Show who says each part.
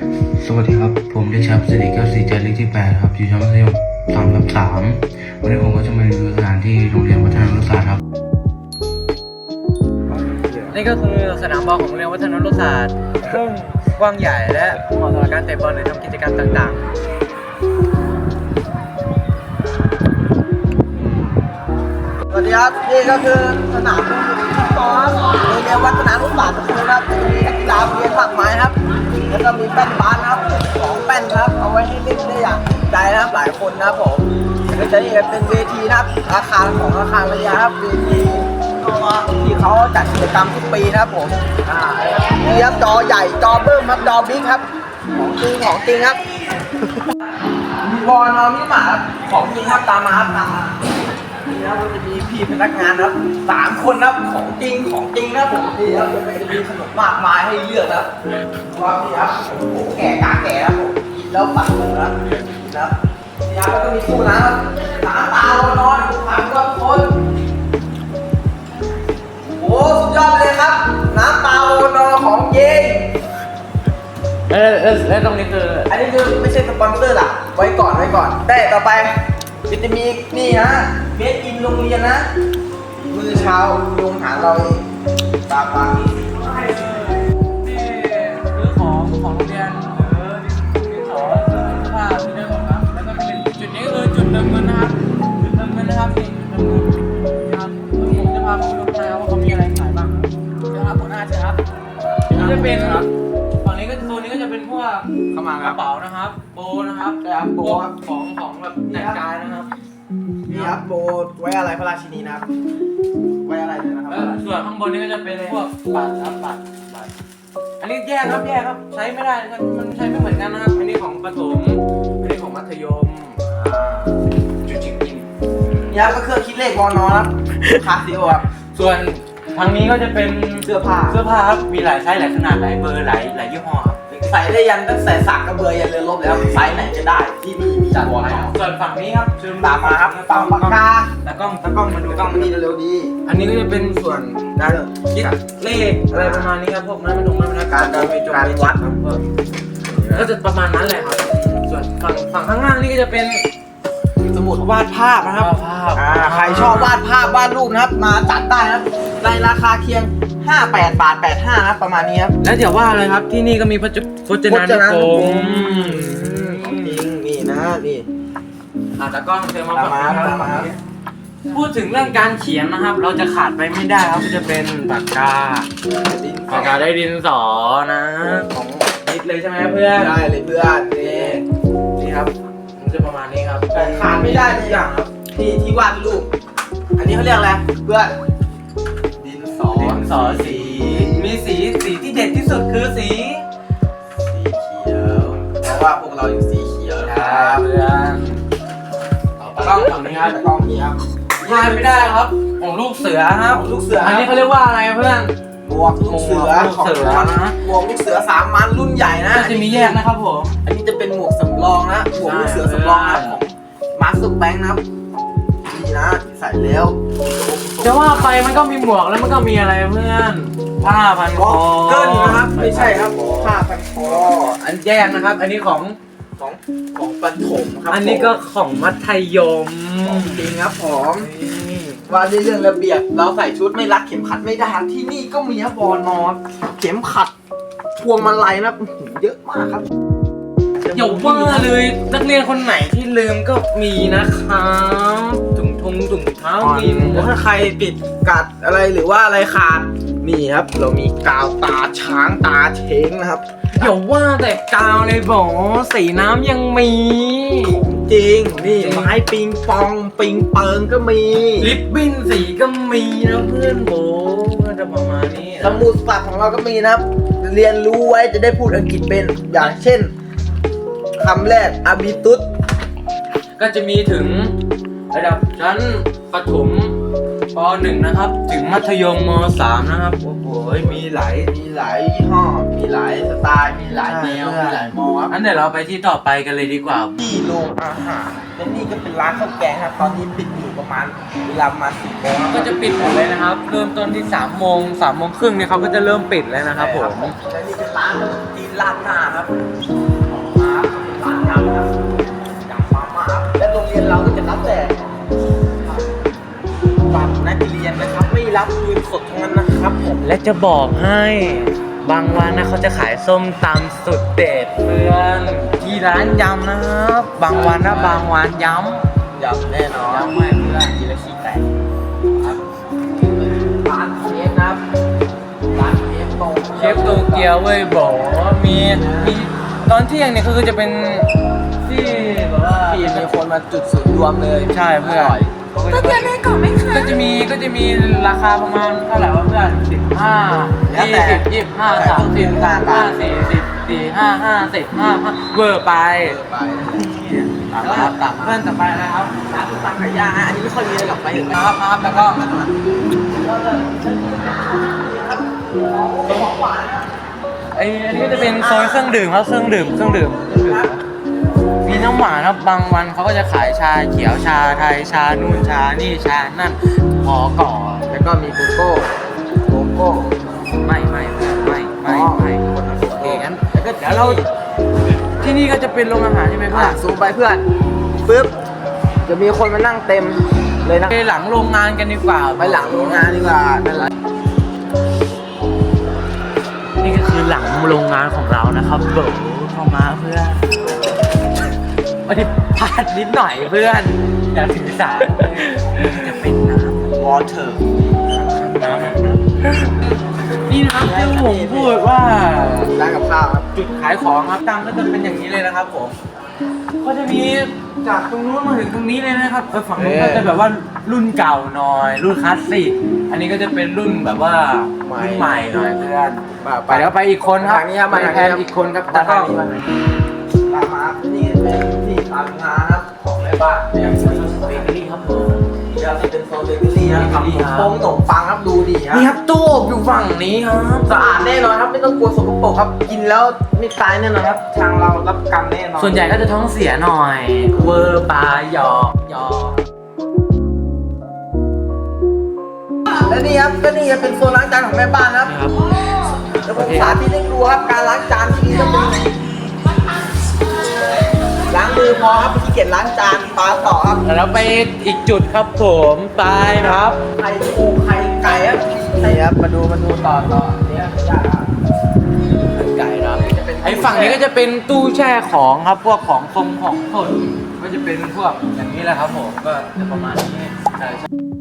Speaker 1: สวัสดีครับผมเด็กชายสิริแก้วศรีใจเลขที่8ครับอยู่ชั้นมัธยม3 วันนี้ผมก็จะมารีวิวสถานที่โรงเรียนวัฒนรุศาสตร์ครับ
Speaker 2: นี่ก็คือสนามบอลของโรงเรียนวัฒนรุศาสตร์ซึ่งกว้างใหญ่และเหมาะสำหรับการเตะบอลหรือทำกิจกรรมต่างๆ
Speaker 3: สวัสดีครับนี่ก็คือสนามฟุตบอลโรงเรียนวัฒนรุศาสตร์นะครับจะมีนักกีฬาเรียนหลากหลายครับแล้วก็มีแป้นบาสนะครับ2 แป้นครับเอาไว้ให้เล่นได้อย่างใจนะครับหลายคนนะครับผมก็จะนี่เป็นเวทีนะครับอาคารของอาคารวิทยาครับเวทีที่เขาจัดกิจกรรมทุกปีนะครับผมนี่ครับจอใหญ่จอเบิ้มครับจอบิ๊กครับของจริงครับมีบอลมีหมาของจริงครับตามมาครับตามมานี่ครับมันจะมีพี่พนักงานครับ3 คนครับของจริงนะผมนี่ครับจะมีขนมมากมายให้เลือกครับว่านี่ครับโอ้แก่กาแก่ครับผมกินแล้วปัดเลยครับนี่ครับแล้วก็มีตู้น้ำครับน้ำเปล่านอนพันกว่าคนโอ้สุดยอดเลยครับน้ำเปล่านอนของจริง
Speaker 2: และตรงนี้คือ
Speaker 3: อันนี้คือไม่ใช่สปอนเซอร์ล่ะไว้ก่อนแต่ต่อไปจะมีนี่นะเมดอินโรงเรียนนะมือเช้าโรงหาเราเองตามมา
Speaker 2: นี่ซื้อของโรงเรียนหรือดินสอเสื้อผ้าที่ได้หมดครับแล้วก็เป็นจุดนี้คือจุดเติมเงินนะครับจุดเติมเงินนะครับนี่เติมเงินนะครับผมจะพาไปดูข้างในว่าเขามีอะไรขายบ้างครับหัวหน้าเชิญครับนี่จะเป็นฝั่งนี้ก็โซนนี้ก็จะเป็นพวกกระเป๋านะครับโบนะครับ
Speaker 3: โบ
Speaker 2: ของแบบแต่งกายนะครับ
Speaker 3: นี่ครับโบไว้อะไรพระราชินีนะครับไว้อะไรด้วยนะครับ
Speaker 2: ส่วนข้างบนนี้ก็จะเป็นพวกบัตรครับบัตรอันนี้แยกครับใช้ไม่ได้มันใช้ไม่เหมือนกันนะครับอันนี้ของประถมอันนี้ของมัธยมจุดจริง
Speaker 3: นี่ครับก็เครื่องคิดเลขวอนอครับคาซิโอครับ
Speaker 2: ส่วนทางนี้ก็จะเป็น
Speaker 3: เสื้อผ้า
Speaker 2: ครับมีหลายไซส์หลายขนาดหลายเบอร์หลายยี่ห้อครับ
Speaker 3: ใส่ได้ยันตั้งแต่สักกระเบือยันเรือรบแล้วไซส์ไหนจะได้ที่มีจัดวอลแล้ว
Speaker 2: ส่วนฝั่งนี้ครับเชิญ
Speaker 3: ตามมาครับฝั่งปากกา
Speaker 2: ตากล้องมาดู
Speaker 3: มานี่เร็วๆดี
Speaker 2: อันนี้ก็จะเป็นส่วนการคิดเลขอะไรประมาณนี้ครับพวกนั้นมันการไปจงไปวัดครับก็จะประมาณนั้นแหละครับส่วนฝั่งข้างล่างนี่ก็จะเป็น
Speaker 3: สมุดวาดภาพนะครับใครชอบวาดภาพวาดรูปนะครับมาจัดได้ครับในราคาเคียง58 บาท 85ครับประมาณนี้ครับ
Speaker 2: แล้วเดี๋ยวว่าเลยครับที่นี่ก็มีพจนานุกรม
Speaker 3: ของจริงนี่นะนี่
Speaker 2: ตากล้องเชิญมาฝั่งนี้พูดถึงเรื่องการเขียนนะครับเราจะขาดไปไม่ได้ครับจะเป็นปากกาได้ดินสอนะของนิดเลยใช่ไหมเพื่อน
Speaker 3: ได้เลยเพื่อน
Speaker 2: นี่ครับมันจะประมาณนี้ครับ
Speaker 3: ขาดไม่ได้เลยอย่างครับที่วาดรูปอันนี้เขาเรียกอะไรเพื่อน
Speaker 2: ดินสอสีมีสีที่เด็ดที่สุดคือสี
Speaker 3: เขียวเพราะว่าพวกเราอยู่สีเขียว
Speaker 2: ครับเพื่อน
Speaker 3: กล้องฝั่งนี้ครับกล้องนี้ครับ
Speaker 2: พลาดไม่ได้ครับของลูกเสือครับ
Speaker 3: ลูกเสือ
Speaker 2: อันนี้เขาเรียกว่าอะไรเพื่อน
Speaker 3: หมวกลูกเสือ
Speaker 2: นะ
Speaker 3: หมวกลูกเสือ3 มันรุ่นใหญ่นะ
Speaker 2: จะมีแยกนะครับผม
Speaker 3: อันนี้จะเป็นหมวกสำรองนะหมวกลูกเสือสำรองนะของมาสเตอร์แบงค์นะครับนี่นะใส่แล้ว
Speaker 2: จะว่าไปมันก็มีหมวกแล้วมันก็มีอะไรเพื่อนผ้าพันคอ
Speaker 3: เกินนะครับไม่ใช่ครับผ้าพันคอ
Speaker 2: อันแยกนะครับอันนี้ของ
Speaker 3: ประถมครับ
Speaker 2: อันนี้ก็ของมัธยม
Speaker 3: จริงครับผมว่าในเรื่องระเบียบเราใส่ชุดไม่รัดเข็มขัดไม่ได้ที่นี่ก็มีครับบอนอเข็มขัดพวงมาลัยนะเยอะมากครับ
Speaker 2: อย่าว่าเลยนักเรียนคนไหนที่ลืมก็มีนะครับถุงเท้ามี
Speaker 3: ถ้าใครปิดกัดอะไรหรือว่าอะไรขาดนี่ครับเรามีกาวตาช้างตาเช้งนะครับ
Speaker 2: อย่าว่าแต่กาวเลยบอกสีน้ำยังมี
Speaker 3: จริงนี่ไม้ปิงปองปิงเปิงก็มี
Speaker 2: ลิปบิ้นสีก็มีนะเพื่อนโบก็จะประมาณนี้
Speaker 3: สมุดศัพท์ของเราก็มีนะครับเรียนรู้ไว้จะได้พูดอังกฤษเป็นอย่างเช่นคำแรกอาบิตุส
Speaker 2: ก็จะมีถึงระดับชั้นประถมป .1 นะครับถึงมัธยมม .3 นะครับ
Speaker 3: โอ้โหมีหลายยี่ห้อมีหลายสไตล์มีหลายแนวมีหลายมอครับ
Speaker 2: อันเดี๋ยวเราไปที่ต่อไปกันเลยดีกว่า
Speaker 3: ที่โรงอาหารและนี่ก็เป็นร้านข้าวแกงครับตอนนี้ปิดอยู่ประมาณเวลามา10 โมง
Speaker 2: ก็จะปิดหมดเลยนะครับเริ่มต้นที่3 โมงครึ่งเนี่ยเขาก็จะเริ่มปิดแล้วนะครับผม
Speaker 3: และนี่เป็นร้านจีนราดหน้าครับ
Speaker 2: และจะบอกให้บางวันนะเขาจะขายส้มตำสุดเด็ดเพื่อนที่ร้านยำนะครับ บางวันนะบางวันยำ
Speaker 3: ยำแน่นอน
Speaker 2: ยำไม่เพื่อนกินแล้วขี้แตก
Speaker 3: ครับร้านเชฟนะครับร้านเชฟโต
Speaker 2: เชฟโตเกียวเว้ยบอกว่ามีตอนเที่ยงเนี่ยคือจะเป็นที่แบบว่า
Speaker 3: ที่มีคนมาจุดศูนย์รวมเลย
Speaker 2: ใช่เพื่อน
Speaker 3: ร่ย
Speaker 4: ก็เกียวในกล่องไหมคะ
Speaker 2: ก็จะมีราคาประมาณเท่าไหร่วะเพื่อน15 20 25 30 35 40 45 50 55เวอร์ไป
Speaker 3: ไป
Speaker 2: ตามครับตามเพื่อนต่อไปนะครับ
Speaker 3: ร้านตังไก่ย่างอันนี้ไม่ค่อยมีอะไรกลับไปถึง
Speaker 2: ครับครับแล้วก็
Speaker 3: ของหวาน
Speaker 2: อันนี้ก็จะเป็นโซนเครื่องดื่มครับเครื่องดื่มมีน้ำหวานครับบางวันเขาก็จะขายชาเขียวชาไทยชานู่นชานี่ชานั่นพอก่อน
Speaker 3: แล้วก็มีโกโก้
Speaker 2: ไม่โอเคงั้นแล้วก็เดี๋ยวเราที่นี่ก็จะเป็นโรงอาหารใช่ไหมเพื่อน
Speaker 3: ซูมไปเพื่อนปึ๊บจะมีคนมานั่งเต็มเลยนะ
Speaker 2: ไปหลังโรงงานกันดีกว่า
Speaker 3: ไปหลังโรงงานดีกว่านั่นแหละ
Speaker 2: นี่ก็คือหลังโรงงานของเรานะครับเบิร์เข้ามาเพื่อนวันนี้พลาดนิดหน่อยเพื่อนอย่าถือสาจะเป็นน้ำ
Speaker 3: วอเตอร์
Speaker 2: นี่นะครับที่ผมพูดว่า
Speaker 3: ร้านกับข้าวครับ
Speaker 2: จุดขายของครับตั้งก็จะเป็นอย่างนี้เลยนะครับผมก็จะมีจากตรงนู้นมาถึงตรงนี้เลยนะครับฝั่งนู้นก็จะแบบว่ารุ่นเก่าหน่อย รุ่นคลาสสิกอันนี้ก็จะเป็นรุ่นแบบว่ารุ่นใหม่หน่อยเพื่อนไปแล้วไปอีกคนครับ
Speaker 3: ทางนี้ครับมา
Speaker 2: แทนอีกคนครับ
Speaker 3: ตา
Speaker 2: ตาม
Speaker 3: มาตามมานี่เป็นที่ทำงานครับของแม่บ้านเนี่ย
Speaker 2: เบเกอรี่ครับผม
Speaker 3: เดี๋ยวจะเป็นโซนเบเกอรี่ครับ
Speaker 2: เบเกอรี่ครับ
Speaker 3: ขนมปังครับดูดีครับ
Speaker 2: นี่ครับตู้อบอยู่ฝั่งนี้ครับ
Speaker 3: สะอาดแน่นอนครับไม่ต้องกลัวสกปรกครับกินแล้วไม่ตายแน่นอนครับทางเรารับประกันแน่นอน
Speaker 2: ส่วนใหญ่ก็จะท้องเสียหน่อยเวอร์ปลาหยอก
Speaker 3: และนี่ครับก็นี่เป็นโซนล้างจานของแม่บ้านครับ
Speaker 2: นะครับ
Speaker 3: เดี๋ยวผมสาธิตให้ดูครับการล้างจานที่นี่จะเป็นล้างมือพอครับขี้เกียจล้างจานปลาต่อครับ
Speaker 2: แล้วไปอีกจุดครับผมไปครับ
Speaker 3: ไข่ปูไข่ไก่ครับนี่ครับมาดูต่อเนี่ยยากครับ
Speaker 2: ไก่ครับไอ้ฝั่งนี้ก็จะเป็นตู้แช่ของครับพวกของคงของสดก็จะเป็นพวกอย่างนี้แหละครับผมก็จะประมาณนี้ใช่